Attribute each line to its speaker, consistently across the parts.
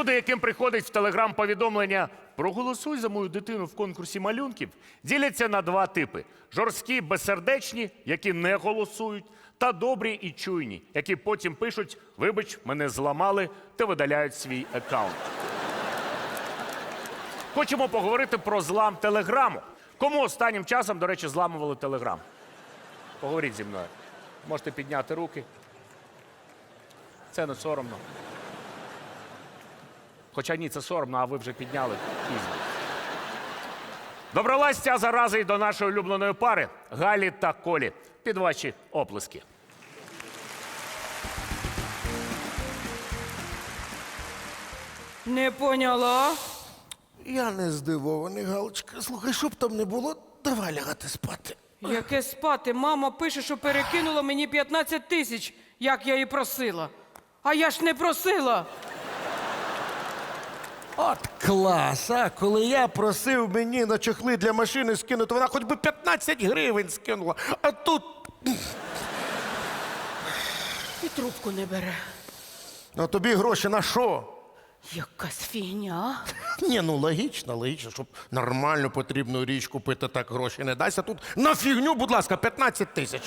Speaker 1: Люди, яким приходить в телеграм-повідомлення «Проголосуй за мою дитину в конкурсі малюнків», діляться на два типи. Жорсткі, безсердечні, які не голосують, та добрі і чуйні, які потім пишуть «Вибач, мене зламали» та видаляють свій аккаунт. Хочемо поговорити про злам телеграму. Кому останнім часом, до речі, зламували телеграм? Поговоріть зі мною. Можете підняти руки. Це не соромно. Хоча ні, це соромно, а ви вже підняли пізно. Добралась ця зараза й до нашої улюбленої пари Галі та Колі. Під ваші оплески.
Speaker 2: Не поняла.
Speaker 3: Я не здивований, Галочка. Слухай, щоб там не було, давай лягати спати.
Speaker 2: Яке спати? Мама пише, що перекинула мені 15 тисяч, як я її просила. А я ж не просила.
Speaker 3: От клас, а? Коли я просив мені на чохли для машини скинути, вона хоч би 15 гривень скинула. А тут...
Speaker 2: І трубку не бере.
Speaker 3: А тобі гроші на що?
Speaker 2: Якась фігня.
Speaker 3: Ні, ну логічно, щоб нормальну потрібну річ купити, так гроші не дасть. А тут на фігню, будь ласка, 15 тисяч.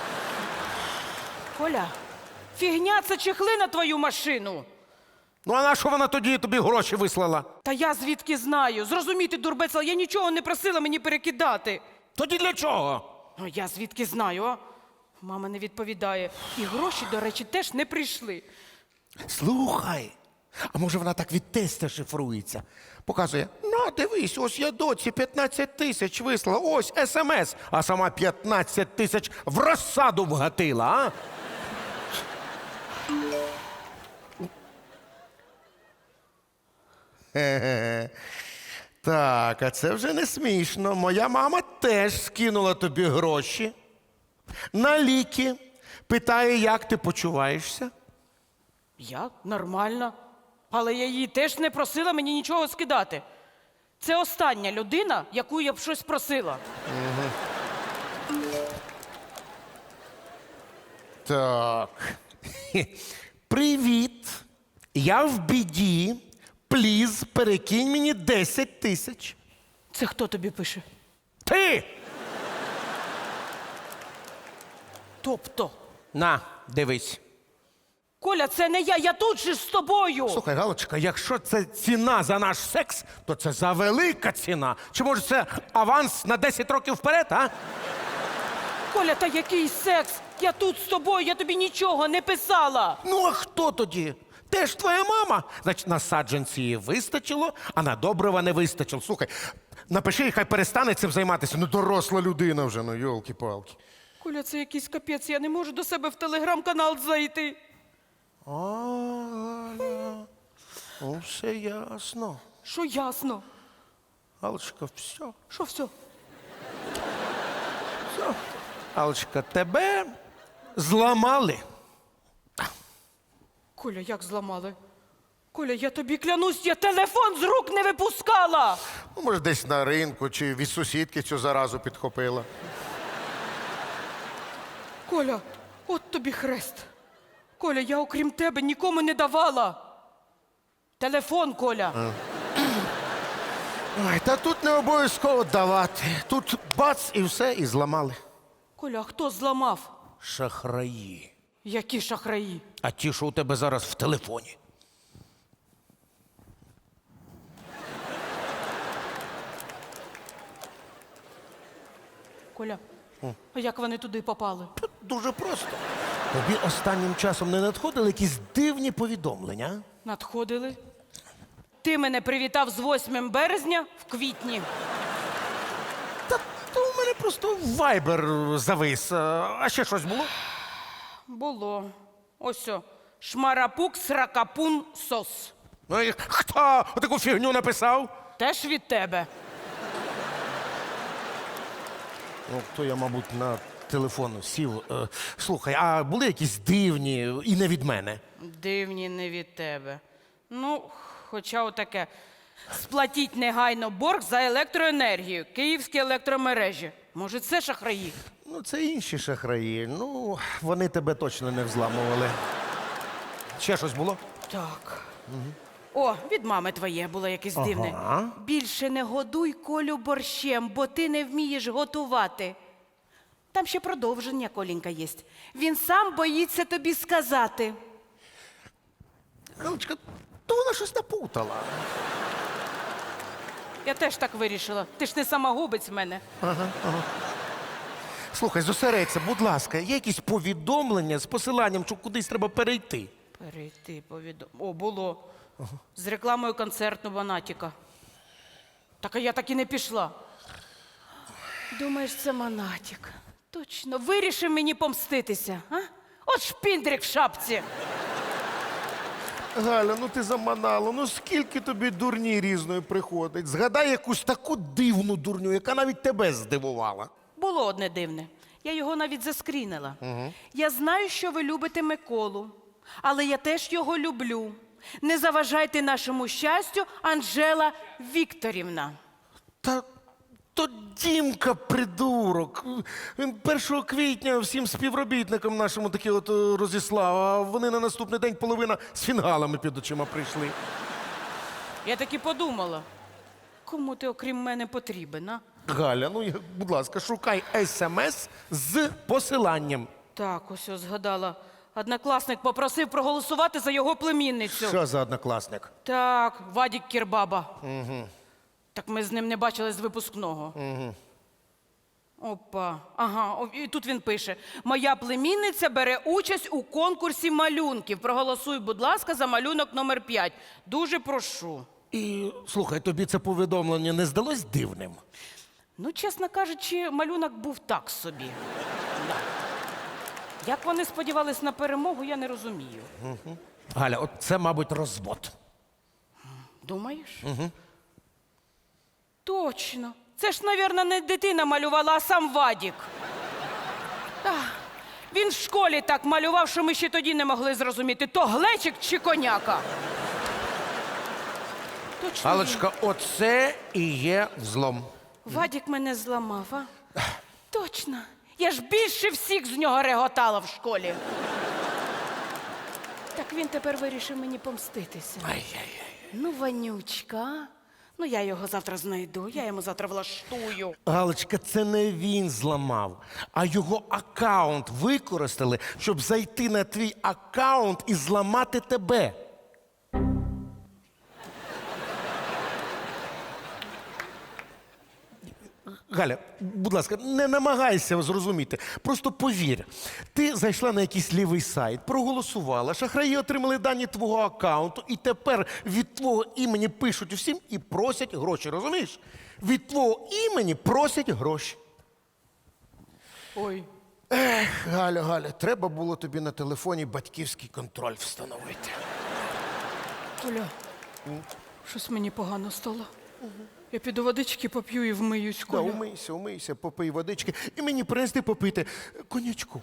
Speaker 2: Коля, фігня – це чехли на твою машину.
Speaker 3: Ну а на що вона тоді тобі гроші вислала?
Speaker 2: Та я звідки знаю? Зрозуміти, дурбецела, я нічого не просила мені перекидати.
Speaker 3: Тоді для чого?
Speaker 2: Ну, я звідки знаю, а? Мама не відповідає. І гроші, до речі, теж не прийшли.
Speaker 3: Слухай, а може вона так від тестя шифрується? Показує, ну дивись, ось я доці 15 тисяч вислала, ось смс, а сама 15 тисяч в розсаду вгатила, а? Хе-хе. Так, а це вже не смішно. Моя мама теж скинула тобі гроші на ліки. Питає, як ти почуваєшся?
Speaker 2: Я? Нормально. Але я її теж не просила мені нічого скидати. Це остання людина, яку я б щось просила.
Speaker 3: Так. Привіт. Я в біді. Пліз, перекинь мені 10 тисяч.
Speaker 2: Це хто тобі пише?
Speaker 3: Ти!
Speaker 2: Тобто?
Speaker 3: На, дивись.
Speaker 2: Коля, це не я тут же з тобою.
Speaker 3: Слухай, Галочка, якщо це ціна за наш секс, то це за велика ціна. Чи може це аванс на 10 років вперед, а?
Speaker 2: Коля, та який секс? Я тут з тобою, я тобі нічого не писала.
Speaker 3: Ну, а хто тоді? Теж твоя мама. Значить, на саджанці її вистачило, а на добрива не вистачило. Слухай, напиши, хай перестане цим займатися. Ну, доросла людина вже, ну, йолки-палки.
Speaker 2: Коля, це якийсь капець, я не можу до себе в телеграм-канал зайти.
Speaker 3: Галя, ну, все ясно.
Speaker 2: Що ясно?
Speaker 3: Галочка, все.
Speaker 2: Що все?
Speaker 3: Все. Галочка, тебе зламали.
Speaker 2: Коля, як зламали? Коля, я тобі клянусь, я телефон з рук не випускала.
Speaker 3: Ну, може, десь на ринку чи від сусідки цю заразу підхопила.
Speaker 2: Коля, от тобі хрест. Коля, я окрім тебе нікому не давала. Телефон, Коля.
Speaker 3: Ой, та тут не обов'язково давати. Тут бац і все, і зламали.
Speaker 2: Коля, а хто зламав?
Speaker 3: Шахраї.
Speaker 2: Які шахраї?
Speaker 3: А ті, що у тебе зараз в телефоні.
Speaker 2: Коля, а як вони туди попали?
Speaker 3: Дуже просто. Тобі останнім часом не надходили якісь дивні повідомлення?
Speaker 2: Надходили. Ти мене привітав з 8 березня в квітні.
Speaker 3: Та то у мене просто вайбер завис. А ще щось було?
Speaker 2: Було. Ось о. Шмарапук, сракапун, сос.
Speaker 3: Ну і хто таку фігню написав?
Speaker 2: Теж від тебе.
Speaker 3: Ну, то я, мабуть, на телефон сів. Слухай, а були якісь дивні і не від мене?
Speaker 2: Дивні не від тебе. Ну, хоча отаке. Сплатіть негайно борг за електроенергію. Київські електромережі. Може, це шахраї?
Speaker 3: Ну, це інші шахраї. Ну, вони тебе точно не взламували. Ще щось було?
Speaker 2: Так. О, від мами твоє було якесь дивне.
Speaker 3: Ага.
Speaker 2: Більше не годуй Колю борщем, бо ти не вмієш готувати. Там ще продовження, Колінька, є. Він сам боїться тобі сказати.
Speaker 3: Галочка, то вона щось напутала.
Speaker 2: Я теж так вирішила. Ти ж не самогубець в мене.
Speaker 3: Слухай, зосередься, будь ласка, є якісь повідомлення з посиланням, що кудись треба перейти?
Speaker 2: Перейти О, було. З рекламою концерту Монатіка. Так а я так і не пішла. Думаєш, це Монатік. Точно, вирішив мені помститися, а? От шпіндрик в шапці.
Speaker 3: Галя, ну ти заманала, ну скільки тобі дурні різної приходить? Згадай якусь таку дивну дурню, яка навіть тебе здивувала.
Speaker 2: Було одне дивне. Я його навіть заскрінила. Я знаю, що ви любите Миколу, але я теж його люблю. Не заважайте нашому щастю, Анжела Вікторівна.
Speaker 3: Та то Дімка придурок. Він 1 квітня всім співробітникам нашому такі от розіслав, а вони на наступний день половина з фінгалами під очима прийшли.
Speaker 2: Я так і подумала. Кому ти, окрім мене, потрібен, а?
Speaker 3: Галя, ну будь ласка, шукай смс з посиланням.
Speaker 2: Так, ось згадала. Однокласник попросив проголосувати за його племінницю.
Speaker 3: Що за однокласник?
Speaker 2: Так, Вадік Кірбаба. Так ми з ним не бачили з випускного. Опа. Ага, і тут він пише: моя племінниця бере участь у конкурсі малюнків. Проголосуй, будь ласка, за малюнок номер 5. Дуже прошу.
Speaker 3: І слухай, тобі це повідомлення не здалось дивним?
Speaker 2: Ну, чесно кажучи, малюнок був так собі. Да. Як вони сподівались на перемогу, я не розумію.
Speaker 3: Галя, от це, мабуть, розвод.
Speaker 2: Думаєш? Точно. Це ж, мабуть, не дитина малювала, а сам Вадік. Він в школі так малював, що ми ще тоді не могли зрозуміти, то глечик чи коняка. Точно.
Speaker 3: Галочка, оце і є взлом.
Speaker 2: Вадік мене зламав, а? Точно. Я ж більше всіх з нього реготала в школі. Так він тепер вирішив мені помститися. Ну, Ванючка, а? Ну, я його завтра знайду, я йому завтра влаштую.
Speaker 3: Галочка, це не він зламав, а його аккаунт використали, щоб зайти на твій аккаунт і зламати тебе. Галя, будь ласка, не намагайся зрозуміти. Просто повір. Ти зайшла на якийсь лівий сайт, проголосувала, шахраї отримали дані твого аккаунту, і тепер від твого імені пишуть усім і просять гроші, розумієш? Від твого імені просять гроші.
Speaker 2: Ой.
Speaker 3: Галя, треба було тобі на телефоні батьківський контроль встановити.
Speaker 2: Оля, щось мені погано стало. Я піду водички поп'ю і вмиюсь,
Speaker 3: Да,
Speaker 2: Коля.
Speaker 3: умийся, попий водички і мені принести попити конячку.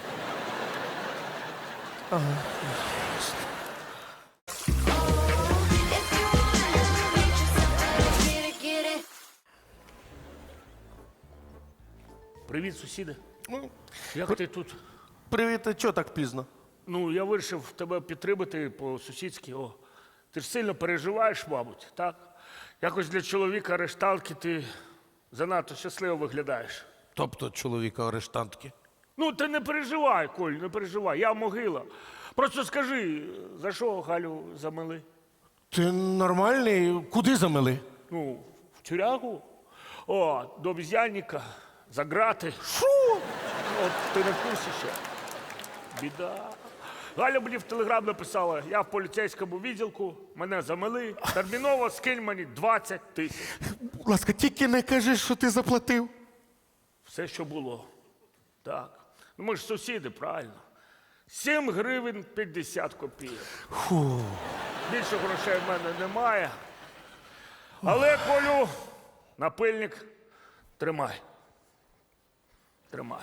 Speaker 1: Привіт, сусіди.
Speaker 3: Ну,
Speaker 1: Як ти тут?
Speaker 3: привіт, а чого так пізно?
Speaker 1: Ну, я вирішив тебе підтримати по-сусідськи. О, ти ж сильно переживаєш, мабуть, так? Якось для чоловіка арештантки ти занадто щасливо виглядаєш.
Speaker 3: Тобто чоловіка арештантки.
Speaker 1: Ну, ти не переживай, Коль, не переживай, я могила. Просто скажи, за що Галю замели?
Speaker 3: Ти нормальний? Куди замели?
Speaker 1: Ну, в тюрягу? О, до обіз'янника, за грати.
Speaker 3: Що?
Speaker 1: От ти не в курсі ще? Біда. Галя мені в телеграм написала, я в поліцейському відділку, мене замели, терміново скинь мені 20 тисяч.
Speaker 3: Будь ласка, тільки не кажи, що ти заплатив.
Speaker 1: Все, що було. Так. Ну ми ж сусіди, правильно. 7 гривень 50 копійок.
Speaker 3: Фу.
Speaker 1: Більше грошей в мене немає. Але, Колю, напильник тримай. Тримай.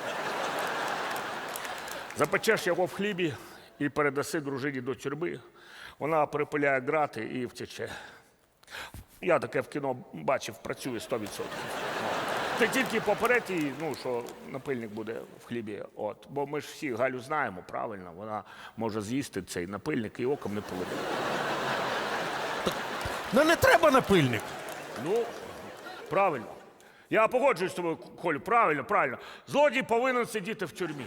Speaker 1: Запечеш його в хлібі і передаси дружині до тюрми. Вона перепиляє грати і втече. Я таке в кіно бачив, працює 100%. Ти тільки попередь її, ну, що напильник буде в хлібі. От. Бо ми ж всі Галю знаємо, правильно, вона може з'їсти цей напильник і оком не поведе.
Speaker 3: Ну не треба напильник.
Speaker 1: Ну, правильно. Я погоджуюсь з тобою, Колю, правильно, правильно. Злодій повинен сидіти в тюрмі.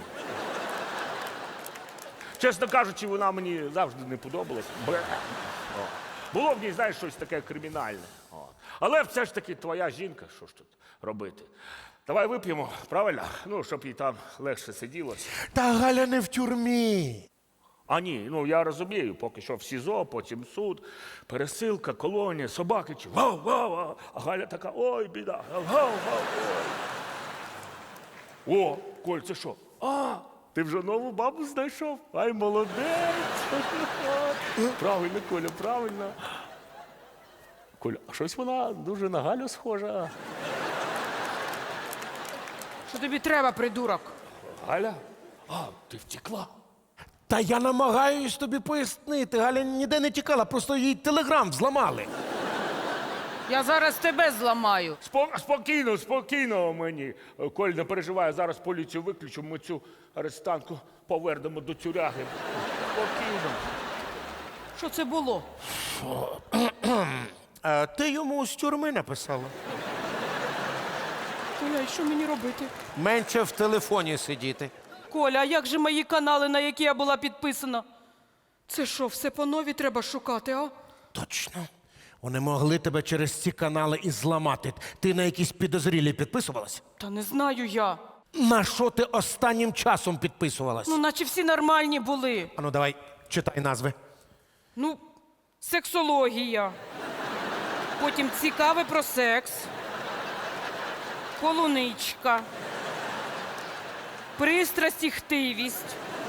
Speaker 1: Чесно кажучи, вона мені завжди не подобалась. Бе. О. Було в ній, знаєш, щось таке кримінальне. О. Але все ж таки твоя жінка, що ж тут робити? Давай вип'ємо, правильно? Ну, щоб їй там легше сиділося.
Speaker 3: Та Галя не в тюрмі.
Speaker 1: А ні, ну я розумію, поки що в СІЗО, потім суд, пересилка, колонія, собаки чи вау-вау. А Галя така, ой, біда, гав-гав. О, Коль, це що? А, ти вже нову бабу знайшов? Ай, молодець. Правильно, Коля, правильно. Коля, а щось вона дуже на Галю схожа.
Speaker 2: Що тобі треба, придурок?
Speaker 1: Галя? А, ти втекла.
Speaker 3: Та я намагаюсь тобі пояснити. Галя ніде не тікала, просто їй телеграм зламали.
Speaker 2: Я зараз тебе зламаю.
Speaker 1: Спокійно, спокійно мені. Коль, не переживай, зараз поліцію виключу, ми цю арестантку повернемо до тюряги. Спокійно.
Speaker 2: Що це було?
Speaker 3: Ти йому з тюрми написала.
Speaker 2: Коля, і що мені робити?
Speaker 3: Менше в телефоні сидіти.
Speaker 2: Коля, а як же мої канали, на які я була підписана? Це що, все по нові треба шукати, а?
Speaker 3: Точно. Вони могли тебе через ці канали і зламати. Ти на якісь підозрілі підписувалась?
Speaker 2: Та не знаю я.
Speaker 3: На що ти останнім часом підписувалась?
Speaker 2: Ну, наче всі нормальні були.
Speaker 3: Ану, давай, читай назви.
Speaker 2: Ну, сексологія. Потім цікаве про секс. Полуничка. Пристрасть і хтивість.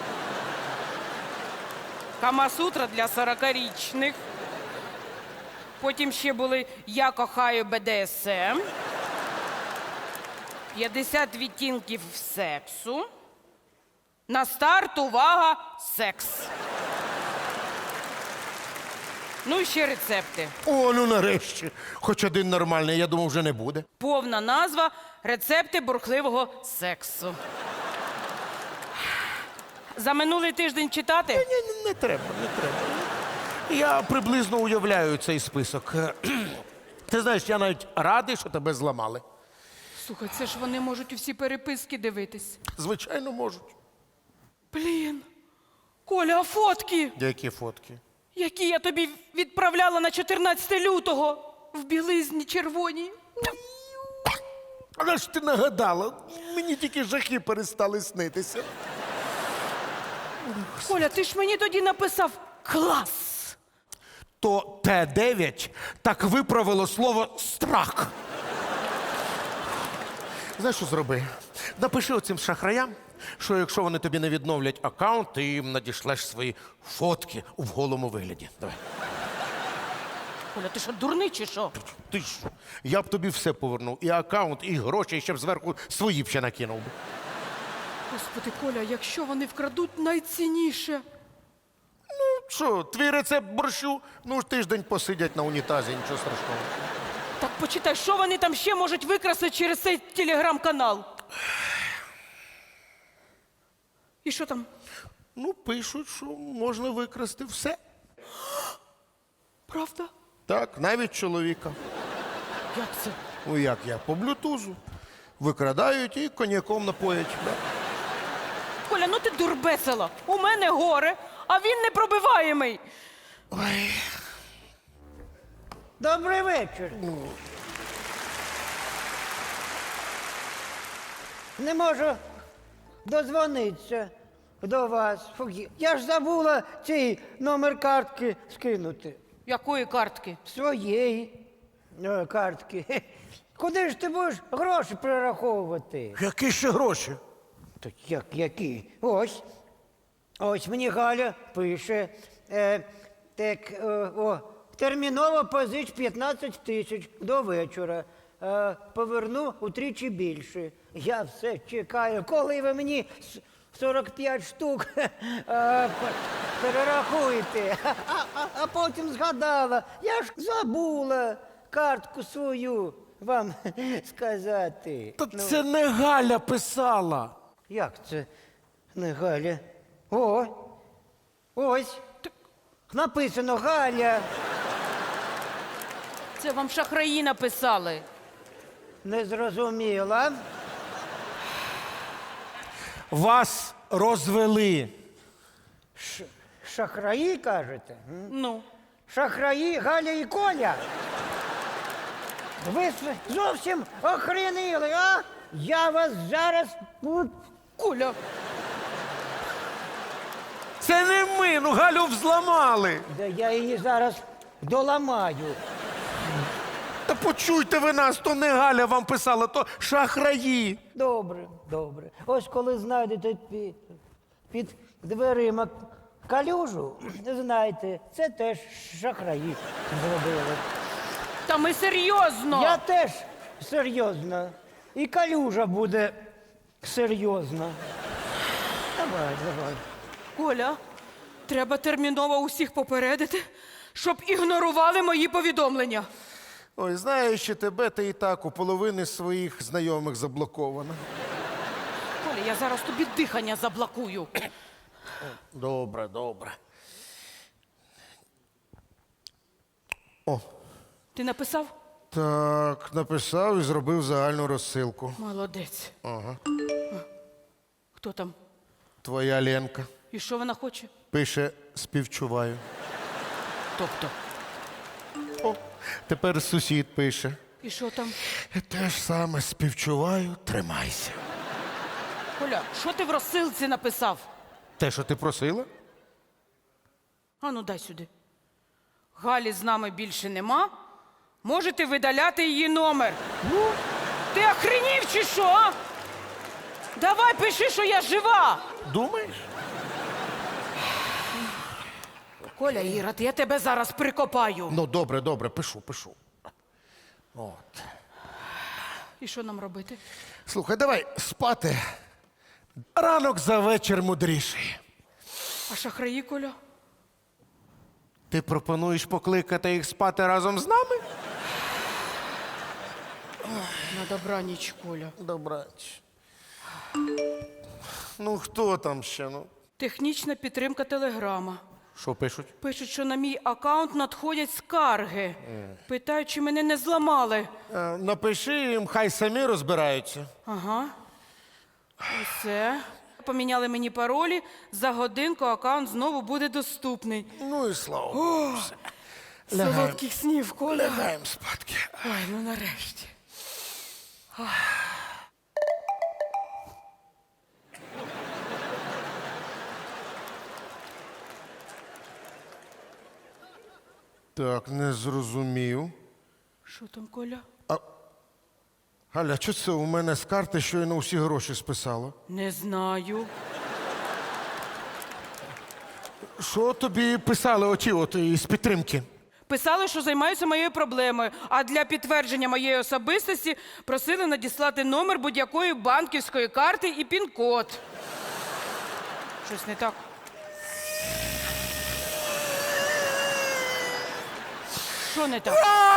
Speaker 2: Камасутра для 40-річних. Потім ще були «Я кохаю БДСМ», 50 відтінків сексу. На старт, увага, секс. Ну і ще рецепти.
Speaker 3: О, ну нарешті. Хоч один нормальний, я думав, вже не буде.
Speaker 2: Повна назва «Рецепти бурхливого сексу». За минулий тиждень читати?
Speaker 3: Не треба, не треба. Я приблизно уявляю цей список. Ти знаєш, я навіть радий, що тебе зламали.
Speaker 2: Слухай, це ж вони можуть усі переписки дивитись.
Speaker 3: Звичайно, можуть.
Speaker 2: Блін. Коля, а фотки,
Speaker 3: Які фотки?
Speaker 2: які я тобі відправляла на 14 лютого в білизні червоній.
Speaker 3: Але ж ти нагадала, мені тільки жахи перестали снитися.
Speaker 2: Коля, ти ж мені тоді написав «клас».
Speaker 3: То Т9 так виправило слово страх. Знаєш, що зроби? Напиши оцим шахраям, що якщо вони тобі не відновлять аккаунт, ти їм надішлеш свої фотки в голому вигляді. Давай.
Speaker 2: Коля, ти що, дурний чи що?
Speaker 3: Ти ж, я б тобі все повернув. І аккаунт, і гроші, і ще б зверху свої б ще накинув.
Speaker 2: Господи, Коля, якщо вони вкрадуть найцінніше.
Speaker 3: Що, твій рецепт борщу? Ну, ж тиждень посидять на унітазі, нічого страшного.
Speaker 2: Так почитай, що вони там ще можуть викрасти через цей телеграм-канал? І що там?
Speaker 3: Ну, пишуть, що можна викрасти все.
Speaker 2: Правда?
Speaker 3: Так, навіть чоловіка.
Speaker 2: Як це?
Speaker 3: Ну як я? По блютузу. Викрадають і коньяком напоять. Да.
Speaker 2: Коля, ну ти дурбесила. У мене горе, а він непробиваємий.
Speaker 4: Добрий вечір. Не можу дозвонитися до вас. Фух, я ж забула цей номер картки скинути.
Speaker 2: Якої картки?
Speaker 4: Своєї картки. Хе. Куди ж ти будеш гроші перераховувати?
Speaker 3: Які ще гроші?
Speaker 4: Так які? Ось. Ось мені Галя пише. Терміново позич 15 тисяч до вечора. Поверну утричі більше. Я все чекаю. Коли ви мені 45 штук перерахуєте? А потім згадала. Я ж забула картку свою вам сказати.
Speaker 3: Та це не Галя писала.
Speaker 4: Як це не Галя? Ось. Написано Галя.
Speaker 2: Це вам шахраї написали.
Speaker 4: Не зрозуміла.
Speaker 3: Вас розвели.
Speaker 4: Шахраї, кажете?
Speaker 2: Ну,
Speaker 4: Шахраї Галя і Коля. Ви зовсім охренили, а? Я вас зараз...
Speaker 2: Коля,
Speaker 3: Це не ми, ну Галю взламали.
Speaker 4: Да я її зараз доламаю.
Speaker 3: Та почуйте ви нас, то не Галя вам писала, то шахраї.
Speaker 4: Добре, добре. Ось коли знайдете під дверима калюжу, знайте, це теж шахраї зробили.
Speaker 2: та ми серйозно.
Speaker 4: Я теж серйозно. І калюжа буде серйозна. Давай, давай.
Speaker 2: Коля, треба терміново усіх попередити, щоб ігнорували мої повідомлення.
Speaker 3: Ой, знаючи тебе, ти і так у половини своїх знайомих заблокована.
Speaker 2: Коля, я зараз тобі дихання заблокую.
Speaker 3: Добре, добре. О,
Speaker 2: Ти написав?
Speaker 3: так, написав і зробив загальну розсилку.
Speaker 2: Молодець.
Speaker 3: Ага.
Speaker 2: Хто там?
Speaker 3: Твоя Ленка
Speaker 2: І що вона хоче?
Speaker 3: пише співчуваю.
Speaker 2: Тобто.
Speaker 3: О, тепер сусід пише.
Speaker 2: І що там?
Speaker 3: Те ж саме співчуваю, тримайся.
Speaker 2: Коля, що ти в розсилці написав?
Speaker 3: Те, що ти просила?
Speaker 2: А ну дай сюди. Галі з нами більше нема. Можете видаляти її номер. Ну, ти охренів чи що? А? Давай пиши, що я жива.
Speaker 3: Думаєш?
Speaker 2: Коля Ірод, я тебе зараз прикопаю.
Speaker 3: Ну, добре, добре, пишу. От.
Speaker 2: І що нам робити?
Speaker 3: Слухай, давай спати. Ранок за вечір мудріший.
Speaker 2: А шахраї, Коля?
Speaker 3: Ти пропонуєш покликати їх спати разом з нами?
Speaker 2: На добраніч, Коля.
Speaker 3: Добрач. Ну, хто там ще? Ну?
Speaker 2: Технічна підтримка телеграма.
Speaker 3: Що пишуть?
Speaker 2: Пишуть, що на мій аккаунт надходять скарги. Питають, чи мене не зламали.
Speaker 3: Напиши їм, хай самі розбираються.
Speaker 2: Ага. Усе. Поміняли мені паролі. За годинку аккаунт знову буде доступний.
Speaker 3: Ну і слава Богу. Лягаємо.
Speaker 2: Солодких снів, Коля.
Speaker 3: Лягаємо спадки.
Speaker 2: Ой, ну нарешті.
Speaker 3: Так, не зрозумів.
Speaker 2: Що там, Коля?
Speaker 3: Галя, що це у мене з карти щойно усі гроші списало?
Speaker 2: Не знаю.
Speaker 3: Що тобі писали оті от із підтримки?
Speaker 2: Писали, що займаються моєю проблемою, а для підтвердження моєї особистості просили надіслати номер будь-якої банківської карти і пін-код. Щось не так. Що не так?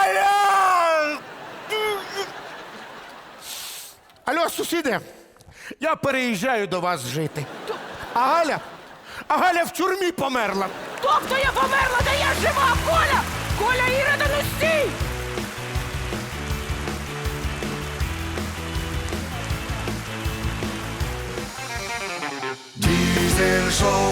Speaker 3: Алло, сусіди, я переїжджаю до вас жити. А Галя в тюрмі померла.
Speaker 2: Тобто я померла, де я жива, Коля! Коля, Ірода, ну стій!
Speaker 5: Diesel Show.